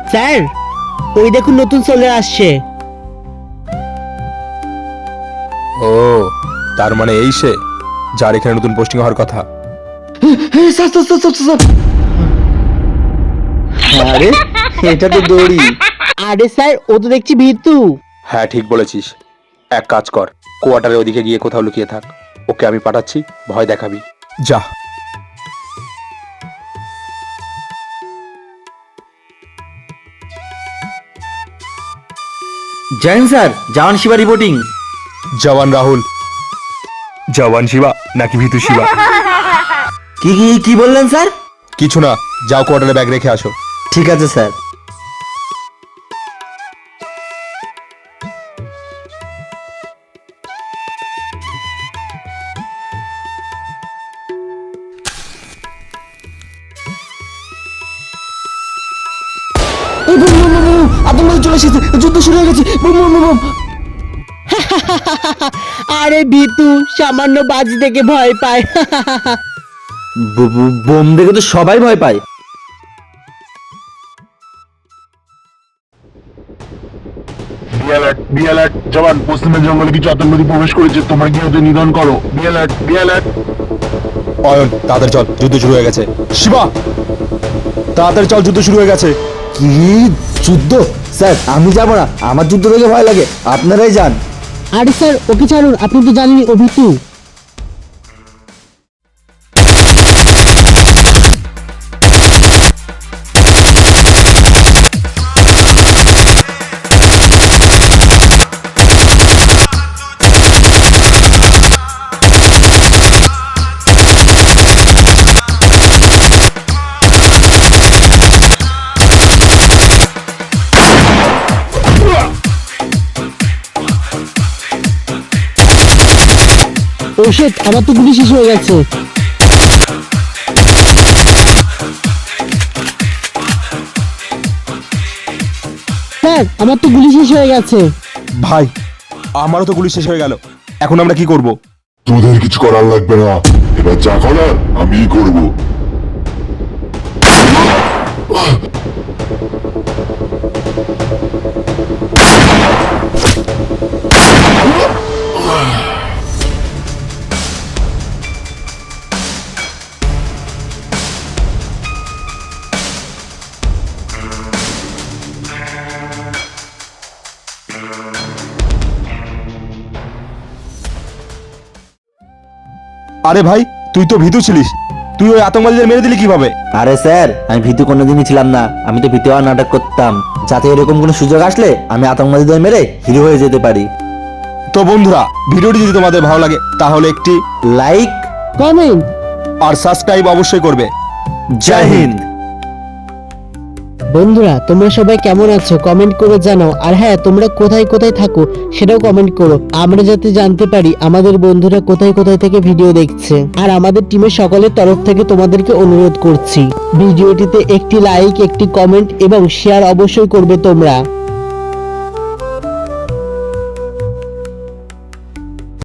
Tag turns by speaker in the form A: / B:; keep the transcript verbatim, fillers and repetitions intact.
A: Sir ওই দেখুন নতুন চলে আসছে।
B: ও তার মানে এই সে যার এখানে নতুন পোস্টিং হওয়ার কথা।
C: আরে এটা তো দড়ি।
A: আরে স্যার ও তো দেখছি ভীতু।
B: হ্যাঁ ঠিক বলেছিস, এক কাজ কর, কোয়ার্টারের ওদিকে গিয়ে কোথাও লুকিয়ে থাক, ওকে আমি পাঠাচ্ছি, ভয় দেখাবি, যা।
C: Join sir, jawan Shiva reporting.
B: Jawan Rahul. Jawan Shiva নাকি ভীতু শিবা?
C: কি কি কি বললেন স্যার?
B: কিছু না, যাও কোয়ার্টারে ব্যাগ রেখে আসো।
C: ঠিক আছে স্যার। আতঙ্কবাদী চলে এসেছে, যুদ্ধ শুরু হয়ে গেছে। Boom boom boom.
A: আরে ভীতু সামান্য বাজি দেখে ভয় পায়।
C: বোম দেখে তো সবাই ভয় পায়।
D: বিএলআর বিএলআর জওয়ান, পশ্চিমের জঙ্গলে কিছু আতঙ্কবাদী প্রবেশ করেছে, তোমরা গিয়ে ওদের নিধন করো। BLR BLR.
B: অয়ন তাড়াতাড়ি চল, যুদ্ধ শুরু হয়ে গেছে। শিবা তাড়াতাড়ি চল, যুদ্ধ শুরু হয়ে গেছে।
C: কি যুদ্ধ? স্যার আমি যাব না, আমার যুদ্ধ দেখে ভয় লাগে, আপনারাই যান।
A: আরে স্যার ওকে ছাড়ুন, আপনি তো জানেনই ও ভীতু। ও শিট, আমার তো গুলি শেষ হয়ে গেছে। স্যার আমার তো গুলি শেষ হয়ে গেছে।
B: ভাই আমারও তো গুলি শেষ হয়ে গেল, এখন আমরা কি করব?
D: তোদের কিছু করার লাগবে না, এবার যা করার আমিই করব।
B: আরে ভাই তুই তো ভীতু ছিলিস, তুই ওই আতঙ্কবাদীদের মেরে দিলি কিভাবে?
C: আরে স্যার আমি ভীতু কোনোদিনই ছিলাম না, আমি তো ভীতু হওয়ার নাটক করতাম, যাতে এরকম কোনো সুযোগ আসলে আমি আতঙ্কবাদীদের মেরে হিরো হয়ে যেতে পারি।
B: তো বন্ধুরা, ভিডিওটি যদি তোমাদের ভালো লাগে তাহলে একটি
C: লাইক
A: কমেন্ট
B: আর সাবস্ক্রাইব অবশ্যই করবে।
C: জয় হিন্দ।
A: বন্ধুরা তোমরা সবাই কেমন আছো কমেন্ট করে জানাও, আর হ্যাঁ তোমরা কোথায় কোথায় থাকো সেটাও কমেন্ট করো, আমরা যাতে জানতে পারি আমাদের বন্ধুরা কোথায় কোথায় থেকে ভিডিও দেখছে। আর আমাদের টিমের সকলের তরফ থেকে তোমাদেরকে অনুরোধ করছি ভিডিওটিতে একটি লাইক, একটি কমেন্ট এবং শেয়ার অবশ্যই করবে তোমরা।